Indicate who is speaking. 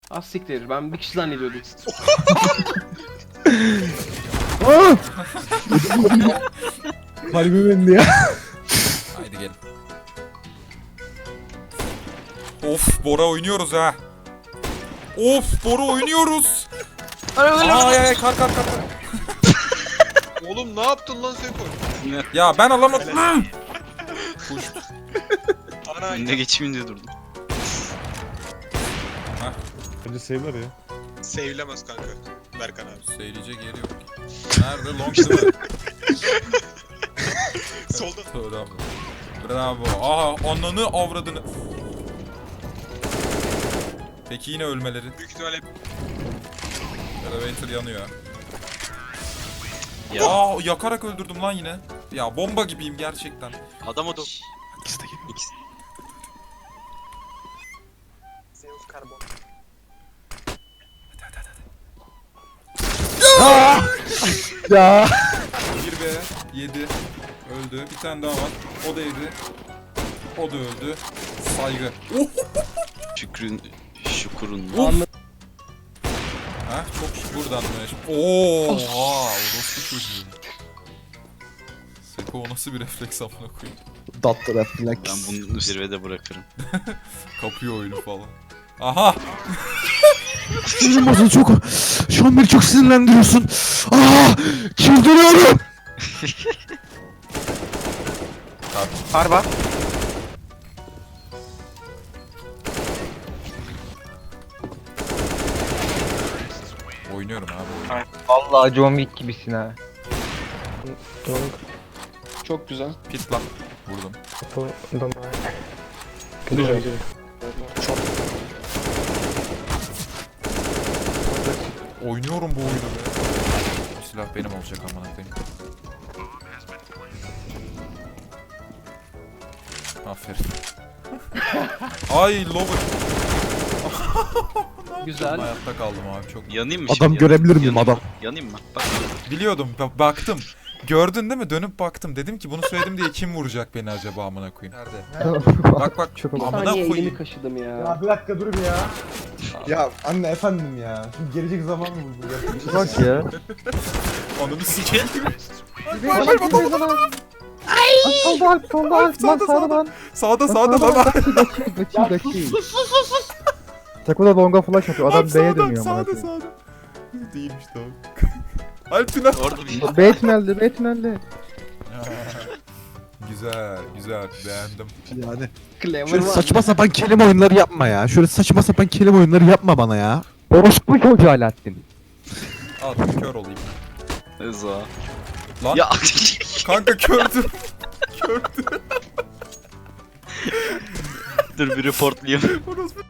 Speaker 1: Az siktir. Ben bir kişi zannediyordum.
Speaker 2: Kalbim indi ya.
Speaker 3: Haydi gelin. Of Bora oynuyoruz ha. Of Bora oynuyoruz. Ay kar.
Speaker 4: Oğlum ne yaptın lan Seko?
Speaker 3: Ya ben alamadım. Kuş.
Speaker 4: Ana
Speaker 5: Önüne geçeyim diye durdum.
Speaker 2: Bence save'ler ya.
Speaker 4: Sevilemez kanka. Berkan abi.
Speaker 3: Söyleyecek yeri yok. Nerede? Long değil mi?
Speaker 4: Solda.
Speaker 3: Bravo. Bravo. Aha ananı avradını. Peki yine ölmeleri.
Speaker 4: Büyük ihtimalle
Speaker 3: Elevator yanıyor.
Speaker 5: Ya
Speaker 3: Yakarak öldürdüm lan yine. Ya bomba gibiyim gerçekten.
Speaker 5: adam o da.
Speaker 2: İkisi de gibi.
Speaker 5: İkisi.
Speaker 2: Ya.
Speaker 3: 1B 7 öldü. Bir tane daha var. O da yedi. O da öldü. Saygı.
Speaker 5: Şukurun.
Speaker 3: Ha çok buradanmış. Oha, orospu çocuğu. Seko o nasıl bir refleks amına koyayım.
Speaker 2: Datlı reflex.
Speaker 5: Ben bunu zirvede bırakırım.
Speaker 3: Kapıyor oyunu falan. Aha!
Speaker 2: Sinirim bozuldu çok. Şu an beni çok sinirlendiriyorsun. Aa! Çıldırıyorum.
Speaker 1: Harba.
Speaker 3: Oynuyorum abi oyunu.
Speaker 6: Vallahi John Wick gibisin ha.
Speaker 1: Çok güzel.
Speaker 3: Pit lan. Vurdum.
Speaker 1: Güzel.
Speaker 3: Oynuyorum bu oyunu be. Bu silah benim olacak amına koyayım. Aferin. Ay lover.
Speaker 1: Güzel.
Speaker 3: Hayatta kaldım abi çok.
Speaker 5: Yanayım mı
Speaker 2: Adam
Speaker 5: şimdi?
Speaker 2: görebilir miyim,
Speaker 5: Yanayım
Speaker 2: adam?
Speaker 5: mı? Yanayım mı? Bak.
Speaker 3: Biliyordum baktım. Gördün değil mi? Dönüp baktım. Dedim ki bunu söyledim diye kim vuracak beni acaba amına koyayım. Nerede? Bak
Speaker 6: Çok
Speaker 1: Bir
Speaker 3: amına
Speaker 1: saniye elimi
Speaker 3: koyayım.
Speaker 1: kaşıdım ya.
Speaker 2: Ya bir dakika dur bir ya. Ya anne efendim ya. Şimdi gelecek zaman mı bu?
Speaker 6: bak ya.
Speaker 3: Ananı sikeyim.
Speaker 6: Solda Alp, solda Alp. Lan sağda lan.
Speaker 3: Sağda lan.
Speaker 6: Kaçayım. Seko da longa flash atıyor. Adam B'ye dönüyor amına koyayım.
Speaker 3: Sağda. Değilmiş tamam. Alpina.
Speaker 5: Orada bir
Speaker 6: Batman'li.
Speaker 3: Güzel beğendim.
Speaker 2: Yani.
Speaker 1: Clever
Speaker 2: Şöyle
Speaker 1: var.
Speaker 2: saçma sapan kelime oyunları yapma ya. Şöyle saçma sapan kelime oyunları yapma bana ya.
Speaker 6: Orospu çocuğu Alaaddin.
Speaker 3: Al kör olayım.
Speaker 5: Rıza.
Speaker 3: Lan
Speaker 5: Ya
Speaker 3: kanka kördüm.
Speaker 5: dur bir reportlayayım.
Speaker 3: Orospu